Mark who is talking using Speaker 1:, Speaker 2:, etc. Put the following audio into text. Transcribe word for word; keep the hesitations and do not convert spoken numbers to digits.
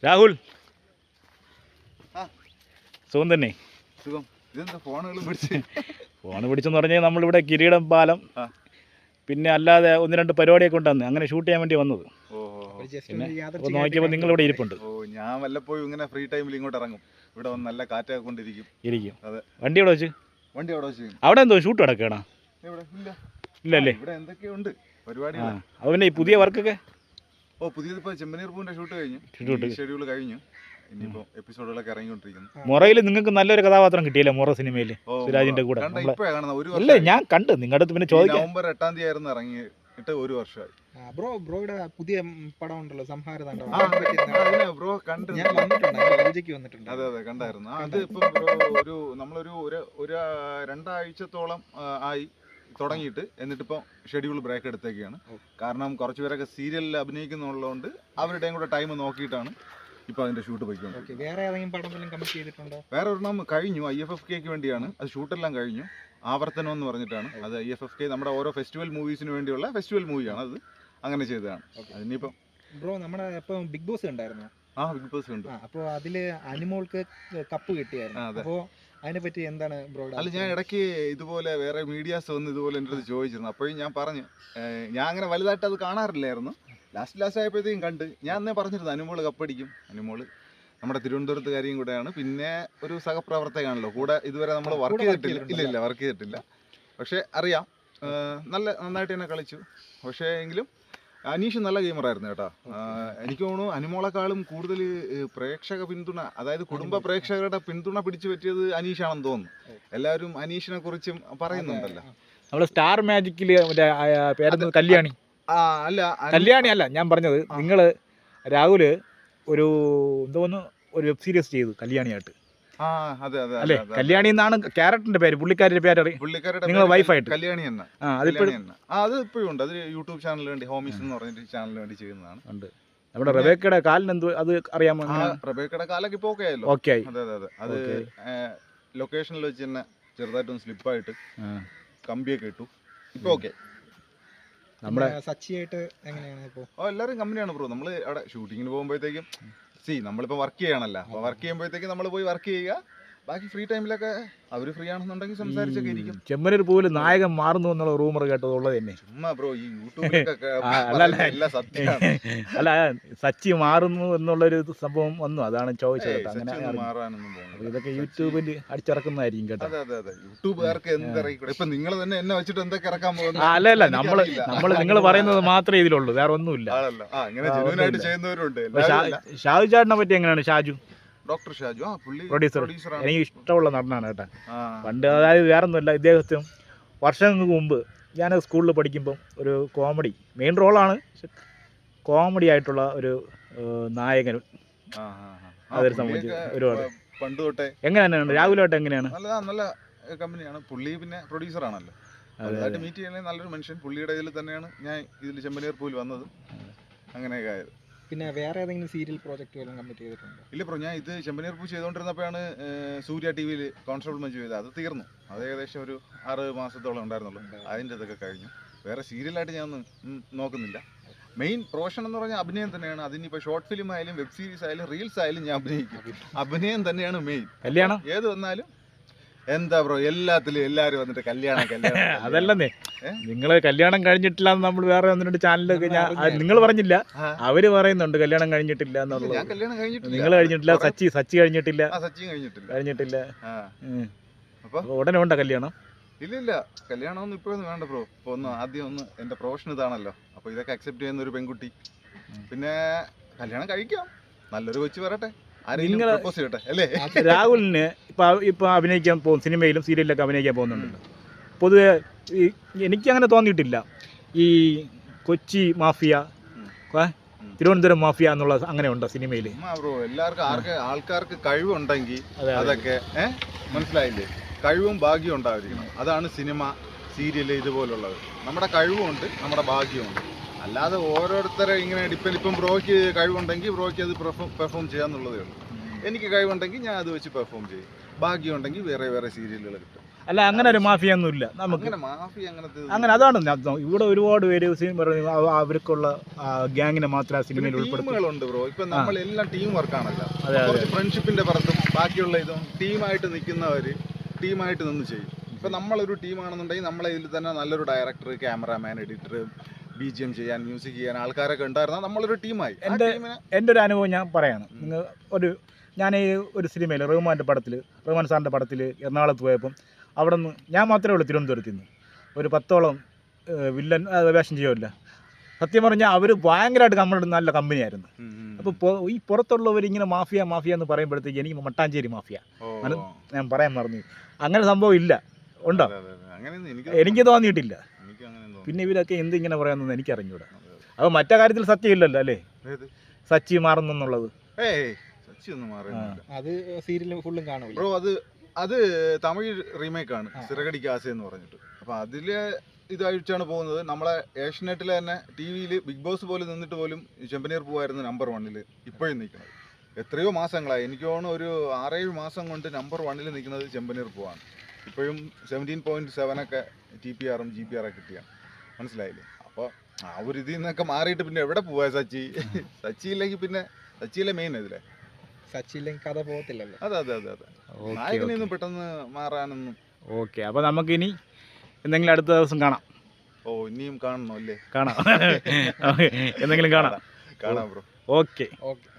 Speaker 1: രാഹുൽ സുഖം തന്നെ.
Speaker 2: സുഖം. ഇതെന്താ ഫോണുകളും പിടിച്ച്
Speaker 1: ഫോൺ പിടിച്ചെന്ന് പറഞ്ഞാൽ നമ്മളിവിടെ കിരീടം പാലം പിന്നെ അല്ലാതെ ഒന്ന് രണ്ട് പരിപാടിയൊക്കെ ഉണ്ടെന്ന് അങ്ങനെ ഷൂട്ട് ചെയ്യാൻ വേണ്ടി വന്നത്. പിന്നെ അപ്പോൾ നോക്കിയപ്പോൾ നിങ്ങളിവിടെ ഇരിപ്പുണ്ട്.
Speaker 2: ഓ ഞാൻ വല്ലപ്പോഴും ഇങ്ങനെ ഫ്രീ ടൈമിൽ ഇങ്ങോട്ട് ഇറങ്ങും. ഇവിടെ വന്ന് നല്ല കാറ്റൊക്കെ കൊണ്ടിരിക്കും
Speaker 1: ഇരിക്കും
Speaker 2: അതെ.
Speaker 1: വണ്ടി എവിടെ വെച്ച്?
Speaker 2: വണ്ടി അവിടെ വെച്ച്.
Speaker 1: അവിടെ എന്തോ ഷൂട്ട് കിടക്കുകയാണോ? ഇല്ലല്ലേ?
Speaker 2: ഇവിടെ എന്തൊക്കെയുണ്ട് പരിപാടി.
Speaker 1: അത് പിന്നെ ഈ പുതിയ വർക്കൊക്കെ
Speaker 2: ഓ പുതിയതിപ്പോൾ ചെമ്പനീർ പൂവിൻ്റെ ഷൂട്ട് കഴിഞ്ഞു. ഷെഡ്യൂൾ കഴിഞ്ഞു. ഇനിയിപ്പോൾ എപ്പിസോഡുകളൊക്കെ ഇറങ്ങിക്കൊണ്ടിരിക്കുന്നു.
Speaker 1: മുറയിൽ നിങ്ങൾക്ക് നല്ലൊരു കഥാപാത്രം കിട്ടിയില്ലേ മുറ സിനിമയിൽ സുരാജിന്റെ കൂടെ? അല്ലേ ഞാൻ കണ്ട് നിങ്ങളുടെ അടുത്ത് പിന്നെ ചോദിക്കാം.
Speaker 2: നവംബർ എട്ടാം തീയതി ആയിരുന്നു ഇറങ്ങിയിട്ട് ഒരു വർഷമായി.
Speaker 3: ബ്രോ ബ്രോയുടെ പുതിയ പടം ഉണ്ടല്ലോ സംഹാരതാണ്ഡവം.
Speaker 2: ബ്രോ കണ്ടു
Speaker 3: വന്നിട്ടുണ്ട്.
Speaker 2: അതെ അതെ കണ്ടായിരുന്നു. അത് ഇപ്പം ബ്രോ ഒരു നമ്മളൊരു ഒരു രണ്ടാഴ്ചത്തോളം ആയി തുടങ്ങിയിട്ട്. എന്നിട്ടിപ്പോൾ ഷെഡ്യൂൾ ബ്രേക്ക് എടുത്തേക്കാണ്. കാരണം കുറച്ച് പേരൊക്കെ സീരിയലിൽ അഭിനയിക്കുന്നുള്ളതുകൊണ്ട് അവരുടെയും കൂടെ ടൈം നോക്കിയിട്ടാണ് ഇപ്പോൾ അതിൻ്റെ ഷൂട്ട് പോയിക്കൊണ്ട്.
Speaker 3: വേറെ ഏതെങ്കിലും പടം കമ്മിറ്റ് ചെയ്തിട്ടുണ്ടോ?
Speaker 2: വേറെ ഒരെണ്ണം കഴിഞ്ഞു, ഐ എഫ് എഫ് കെക്ക് വേണ്ടിയാണ്. അത് ഷൂട്ടെല്ലാം കഴിഞ്ഞു. ആവർത്തനം എന്ന് പറഞ്ഞിട്ടാണ്. അത് ഐ എഫ് എഫ് കെ നമ്മുടെ ഓരോ ഫെസ്റ്റിവൽ മൂവീസിന് വേണ്ടിയുള്ള ഫെസ്റ്റിവൽ മൂവിയാണ്. അത് അങ്ങനെ ചെയ്തതാണ്. അതിനിപ്പം
Speaker 3: ബ്രോ നമ്മുടെ ഇപ്പം ബിഗ് ബോസ് ഉണ്ടായിരുന്നു.
Speaker 2: ആ ബിഗ് ബോസ് ഉണ്ട്.
Speaker 3: അപ്പോൾ അതിൽ അനിമോൾക്ക് കപ്പ് കിട്ടിയായിരുന്നു. അപ്പോൾ അതിനെ പറ്റി എന്താണ് ബ്രോ?
Speaker 2: അല്ല ഞാൻ ഇടയ്ക്ക് ഇതുപോലെ വേറെ മീഡിയാസ് വന്ന് ഇതുപോലെ എൻ്റെ അടുത്ത് ചോദിച്ചിരുന്നു. അപ്പോഴും ഞാൻ പറഞ്ഞു ഞാൻ അങ്ങനെ വലുതായിട്ട് അത് കാണാറില്ലായിരുന്നു. ലാസ്റ്റ് ലാസ്റ്റ് ആയപ്പോഴത്തേക്കും കണ്ട് ഞാൻ അന്നേ പറഞ്ഞിരുന്നു അനുമോള് കപ്പടിക്കും. അനുമോള് നമ്മുടെ തിരുവനന്തപുരത്തുകാരിയും കൂടെയാണ്. പിന്നെ ഒരു സഹപ്രവർത്തകയാണല്ലോ. കൂടെ ഇതുവരെ നമ്മൾ വർക്ക് ചെയ്തിട്ടില്ല. ഇല്ല ഇല്ല വർക്ക് ചെയ്തിട്ടില്ല. പക്ഷേ അറിയാം നല്ല നന്നായിട്ട് തന്നെ കളിച്ചു. പക്ഷേ എങ്കിലും അനീഷ് നല്ല ഗെയിമറായിരുന്നു കേട്ടോ. എനിക്ക് തോന്നുന്നു അനുമോളെക്കാളും കൂടുതൽ പ്രേക്ഷക പിന്തുണ, അതായത് കുടുംബ പ്രേക്ഷകരുടെ പിന്തുണ പിടിച്ചു പറ്റിയത് അനീഷാണെന്ന് തോന്നുന്നു. എല്ലാവരും അനീഷിനെ കുറിച്ചും പറയുന്നുണ്ടല്ലോ.
Speaker 1: നമ്മൾ സ്റ്റാർ മാജിക്കില് മറ്റേ പേരെന്ത് കല്യാണി
Speaker 2: അല്ല
Speaker 1: കല്യാണി അല്ല ഞാൻ പറഞ്ഞത്. നിങ്ങൾ രാഹുല് ഒരു എന്തോന്ന് ഒരു വെബ് സീരീസ് ചെയ്തു കല്യാണിയായിട്ട് അല്ലേ? കല്യാണി എന്നാണ് ക്യാരക്ടറിന്റെ പേര്. പുള്ളിക്കാരുടെ പേര്
Speaker 2: പുള്ളിക്കാരുടെ
Speaker 1: നിങ്ങൾ വൈഫായിട്ട്
Speaker 2: കല്യാണി തന്നെ. അത് ഇപ്പോഴും ഉണ്ട്. അത് യൂട്യൂബ് ചാനലിന് വേണ്ടി ഹോമീസ് എന്ന് പറഞ്ഞിട്ട് ചാനലിന് വേണ്ടി ചെയ്യുന്നതാണ്. ഉണ്ട്. നമ്മുടെ റബേക്കയുടെ കാലിന് എന്തോ അത് അറിയാമോ? റബേക്കയുടെ കാലൊക്കെ ഇപ്പോൾ ഓക്കെ ആയല്ലോ.
Speaker 1: ഓക്കെ ആയി.
Speaker 2: അതെ അതെ അതെ. അത് ലൊക്കേഷനിൽ വെച്ച് തന്നെ ചെറുതായിട്ടൊന്ന് സ്ലിപ്പായിട്ട് കമ്പിയൊക്കെ ഇട്ടു. ഇപ്പൊ ഓക്കെ.
Speaker 3: നമ്മുടെ സച്ചിയായിട്ട് എങ്ങനെയാണ് ഇപ്പോൾ?
Speaker 2: ഓ എല്ലാവരും കമ്പനിയാണ് ബ്രോ. നമ്മൾ അവിടെ ഷൂട്ടിങ്ങിന് പോകുമ്പോഴത്തേക്കും സി നമ്മളിപ്പോൾ വർക്ക് ചെയ്യണമല്ലോ. അപ്പോൾ വർക്ക് ചെയ്യുമ്പോഴത്തേക്കും നമ്മൾ പോയി വർക്ക് ചെയ്യുക. ബാക്കി ഫ്രീ ടൈമിലൊക്കെ അവർ ഫ്രീ ആണെന്നുണ്ടെങ്കിൽ സംസാരിച്ചൊക്കെ ഇരിക്കും.
Speaker 1: ചെമ്മനൂർ പൂവിൽ നായകൻ മാറുന്നു എന്നുള്ള റൂമർ കേട്ടത് ഉള്ളത് തന്നെ.
Speaker 2: ചുമ്മാ ബ്രോ ഈ യൂട്യൂബിലൊക്കെ
Speaker 1: അല്ല സച്ചി മാറുന്നു എന്നുള്ളൊരു സംഭവം വന്നു. അതാണ് ചോദിച്ചത്. അങ്ങനെ ഇതൊക്കെ യൂട്യൂബിൽ അടിച്ചിറക്കുന്നതായിരിക്കും കേട്ടോ.
Speaker 2: അതെ അതെ അതെ. യൂട്യൂബുകാർക്ക് എന്തിറക്കിക്കൂടെ? ഇപ്പൊ നിങ്ങൾ തന്നെ എന്നെ വെച്ചിട്ട് എന്തൊക്കെ ഇറക്കാൻ പോകുന്നത്?
Speaker 1: അല്ല അല്ല നമ്മള് നമ്മള് നിങ്ങൾ പറയുന്നത് മാത്രമേ ഇതിലുള്ളൂ, വേറെ ഒന്നുമില്ല.
Speaker 2: ചെയ്യുന്നവരുണ്ട്.
Speaker 1: ഷാജു ചേട്ടനെ പറ്റി എങ്ങനെയാണ്? ഷാജു
Speaker 2: ഡോക്ടർ ഷാജു
Speaker 1: പ്രൊഡ്യൂസർ എനിക്ക് ഇഷ്ടമുള്ള നടനാണ് കേട്ടോ. പണ്ട് അതായത് വേറെ ഒന്നുമില്ല, ഇദ്ദേഹത്തിന് വർഷങ്ങൾക്ക് മുമ്പ് ഞാൻ സ്കൂളിൽ പഠിക്കുമ്പം ഒരു കോമഡി മെയിൻ റോളാണ്, കോമഡി ആയിട്ടുള്ള ഒരു നായകൻ അതൊരു സംബന്ധിച്ച് ഒരുപാട്
Speaker 2: പണ്ട് തൊട്ടേ.
Speaker 1: എങ്ങനെയാണ് രാഹുലായിട്ട് എങ്ങനെയാണ്?
Speaker 2: നല്ല നല്ല കമ്പനിയാണ് പുള്ളി. പിന്നെ പ്രൊഡ്യൂസർ ആണല്ലോ. അതായിട്ട് മീറ്റ് ചെയ്യുന്നത് നല്ലൊരു മനുഷ്യൻ. പുള്ളിയുടെ ഇതിൽ തന്നെയാണ് ഞാൻ ഇതിൽ ചെമ്പനീർ പൂവിൽ വന്നത്. അങ്ങനെയൊക്കെ ആയത്.
Speaker 3: പിന്നെ വേറെ ഏതെങ്കിലും സീരിയൽ പ്രോജക്റ്റ് വല്ലതും കമ്മിറ്റ് ചെയ്തിട്ടുണ്ടോ?
Speaker 2: ഇല്ല ബ്രോ, ഞാൻ ഇത് ചെമ്പനീർ പൂ ചെയ്തുകൊണ്ടിരുന്നപ്പോഴാണ് സൂര്യ ടി വിയിൽ കോൺസ്റ്റബിൾ മഞ്ജു ചെയ്തത്. അത് തീർന്നു. അത് ഏകദേശം ഒരു ആറ് മാസത്തോളം ഉണ്ടായിരുന്നുള്ളൂ. അതിൻ്റെ ഇതൊക്കെ കഴിഞ്ഞു. വേറെ സീരിയലായിട്ട് ഞാൻ ഒന്നും നോക്കുന്നില്ല. മെയിൻ പ്രൊഫഷൻ എന്ന് പറഞ്ഞാൽ അഭിനയം തന്നെയാണ്. അതിനിപ്പോൾ ഷോർട്ട് ഫിലിം ആയാലും വെബ് സീരീസ് ആയാലും റീൽസ് ആയാലും ഞാൻ അഭിനയിക്കും. അഭിനയം തന്നെയാണ് മെയിൻ.
Speaker 1: കല്യാണം
Speaker 2: ഏത് വന്നാലും എന്താ ബ്രോ എല്ലാത്തിലും എല്ലാവരും വന്നിട്ട് കല്യാണം കല്യാണം.
Speaker 1: അതല്ലെന്നേ, നിങ്ങള് കല്യാണം കഴിഞ്ഞിട്ടില്ല എന്ന് നമ്മൾ വേറെ ഒന്ന് രണ്ട് ചാനലൊക്കെ നിങ്ങൾ പറഞ്ഞില്ല, അവര് പറയുന്നുണ്ട് കല്യാണം കഴിഞ്ഞിട്ടില്ല എന്നുള്ളത്. നിങ്ങൾ കഴിഞ്ഞിട്ടില്ല, സച്ചി സച്ചി കഴിഞ്ഞിട്ടില്ല കഴിഞ്ഞിട്ടില്ല ഉടനെ ഉണ്ടോ കല്യാണം?
Speaker 2: ഇല്ല ഇല്ല, കല്യാണം ഒന്നും ഇപ്പോഴൊന്നും വേണ്ട ബ്രോ. ഇപ്പൊ ഒന്ന് ആദ്യം ഒന്ന് എന്റെ പ്രൊഫഷൻ ഇതാണല്ലോ. അപ്പൊ ഇതൊക്കെ അക്സെപ്റ്റ് ചെയ്യുന്ന ഒരു പെൺകുട്ടി. പിന്നെ കല്യാണം കഴിക്കാം, നല്ലൊരു കൊച്ചു വരട്ടെ.
Speaker 1: രാഹുലിന് ഇപ്പൊ ഇപ്പൊ അഭിനയിക്കാൻ പോകും, സിനിമയിലും സീരിയലിലൊക്കെ അഭിനയിക്കാൻ പോകുന്നുണ്ടല്ലോ. പൊതുവെ എനിക്ക് അങ്ങനെ തോന്നിയിട്ടില്ല ഈ കൊച്ചി മാഫിയ, തിരുവനന്തപുരം മാഫിയ എന്നുള്ള അങ്ങനെ ഉണ്ടോ സിനിമയിൽ?
Speaker 2: ബ്രോ എല്ലാവർക്കും ആർക്ക് ആൾക്കാർക്ക് കഴിവുണ്ടെങ്കിൽ അതൊക്കെ മനസ്സിലായില്ലേ, കഴിവും ഭാഗ്യവും ഉണ്ടായിരിക്കണം. അതാണ് സിനിമ സീരിയല് ഇതുപോലുള്ളത്. നമ്മുടെ കഴിവുമുണ്ട്, നമ്മുടെ ഭാഗ്യമുണ്ട്. അല്ലാതെ ഓരോരുത്തരെ ഇങ്ങനെ ഡിപ്പെൻഡ്. ഇപ്പം ബ്രോയ്ക്ക് കഴിവുണ്ടെങ്കിൽ ബ്രോയ്ക്ക് അത് പെർഫോം പെർഫോം ചെയ്യാന്നുള്ളതേ ഉള്ളൂ. എനിക്ക് കഴിവുണ്ടെങ്കിൽ ഞാൻ അത് വെച്ച് പെർഫോം ചെയ്യും. ഭാഗ്യമുണ്ടെങ്കിൽ വേറെ വേറെ സീരിയലുകൾ കിട്ടും.
Speaker 1: അല്ല അങ്ങനെ ഒരു മാഫിയ ഒന്നും ഇല്ല നമുക്ക്.
Speaker 2: അങ്ങനെ മാഫിയ അങ്ങനത്തെ
Speaker 1: അങ്ങനെ അതാണ് ഞാൻ- ഇവിടെ ഒരുപാട് പേര് സിനിമ പറഞ്ഞു അവ- അവർക്കുള്ള ഗ്യാങ്ങിനെ മാത്രമേ ആ സിനിമയിൽ ഉൾപ്പെടുത്തി.
Speaker 2: ടീമുകളുണ്ട് ബ്രോ. ഇപ്പൊ നമ്മളെല്ലാം ടീം വർക്കാണല്ലോ.
Speaker 1: അതെ, അതെ.
Speaker 2: കുറച്ച് ഫ്രണ്ട്ഷിപ്പിന്റെ പുറത്തും ബാക്കിയുള്ള ഇതും ടീമായിട്ട് നിൽക്കുന്നവര് ടീമായിട്ട് നിന്ന് ചെയ്യും. ഇപ്പൊ നമ്മളൊരു ടീമാണെന്നുണ്ടെങ്കിൽ നമ്മളെ ഇതിൽ തന്നെ നല്ലൊരു director, cameraman, editor, B G M ചെയ്യാൻ, മ്യൂസിക് ചെയ്യാൻ ആൾക്കാരൊക്കെ ഉണ്ടായിരുന്നാൽ നമ്മളൊരു ടീമായി.
Speaker 1: എൻ്റെ എൻ്റെ ഒരു അനുഭവം ഞാൻ പറയാണ്. നിങ്ങൾ ഒരു ഞാൻ ഈ ഒരു സിനിമയിൽ റഹ്മാൻ്റെ പടത്തിൽ റഹ്മാൻ സാറിൻ്റെ പടത്തിൽ എറണാകുളത്ത് പോയപ്പം അവിടെ നിന്ന് ഞാൻ മാത്രമേ ഉള്ളൂ തിരുവനന്തപുരത്ത് നിന്ന് ഒരു പത്തോളം ഏഹ്, വില്ലൻ ആ, വേഷം ചെയ്യുമല്ല. സത്യം പറഞ്ഞാൽ അവർ ഭയങ്കരമായിട്ട് നമ്മളുടെ നല്ല കമ്പനിയായിരുന്നു. അപ്പോൾ ഈ പുറത്തുള്ളവർ ഇങ്ങനെ മാഫിയ മാഫിയ എന്ന് പറയുമ്പോഴത്തേക്ക് എനിക്ക് മട്ടാഞ്ചേരി മാഫിയ അത് ഞാൻ പറയാൻ മറന്നു. അങ്ങനെ സംഭവം ഇല്ല. ഉണ്ടോ? എനിക്ക് തോന്നിയിട്ടില്ല. പിന്നെ ഇവരൊക്കെ എന്ത് ഇങ്ങനെ പറയാമെന്നൊന്നും എനിക്ക് അറിഞ്ഞൂടാ. അപ്പോൾ മറ്റേ കാര്യത്തിൽ സത്യം ഇല്ലല്ലോ അല്ലേ, സച്ചി മാറുന്നെന്നുള്ളത്.
Speaker 2: ഏയ് സച്ചിയൊന്നും മാറിയില്ല.
Speaker 3: അത് സീരിയൽ ഫുള്ളും കാണൂല
Speaker 2: ബ്രോ. അത് അത് തമിഴ് റീമേക്കാണ്, സിറകടി കാസ എന്ന് പറഞ്ഞിട്ട്. അപ്പോൾ അതിൽ ഇതായിട്ടാണ് പോകുന്നത്. നമ്മളെ ഏഷ്യനെറ്റിലെ തന്നെ ടി വിയിൽ ബിഗ് ബോസ് പോലെ നിന്നിട്ട് പോലും ചെമ്പനീർ പൂവായിരുന്നു നമ്പർ വണ്ണിൽ ഇപ്പോഴും നിൽക്കുന്നത്. എത്രയോ മാസങ്ങളായി, എനിക്ക് തോന്നുന്നു ഒരു ആറേഴ് മാസം കൊണ്ട് നമ്പർ വണ്ണിൽ നിൽക്കുന്നത് ചെമ്പനീർ പൂവാണ്. ഇപ്പോഴും സെവൻറ്റീൻ പോയിൻറ്റ് സെവനൊക്കെ ടി പി ആറും ജി പി ആറൊക്കെ കിട്ടിയാണ്. മനസ്സിലായില്ലേ? അപ്പോൾ ആ ഒരു ഇതിൽ നിന്നൊക്കെ മാറിയിട്ട് പിന്നെ എവിടെ പോവാ സച്ചി? സച്ചി ഇല്ലെങ്കിൽ പിന്നെ സച്ചിയിലെ മെയിൻ ഇതിലെ
Speaker 3: സച്ചി ഇല്ലെങ്കിൽ കഥ പോകത്തില്ലല്ലോ.
Speaker 2: അതെ അതെ അതെ അതെ നായകനൊന്നും പെട്ടെന്ന് മാറാനൊന്നും.
Speaker 1: ഓക്കെ, അപ്പോൾ നമുക്കിനി എന്തെങ്കിലും അടുത്ത ദിവസം കാണാം.
Speaker 2: ഓ ഇനിയും കാണണോ അല്ലേ?
Speaker 1: കാണാം എന്തെങ്കിലും കാണാം.
Speaker 2: കാണാം ബ്രോ.
Speaker 1: Okay
Speaker 3: okay.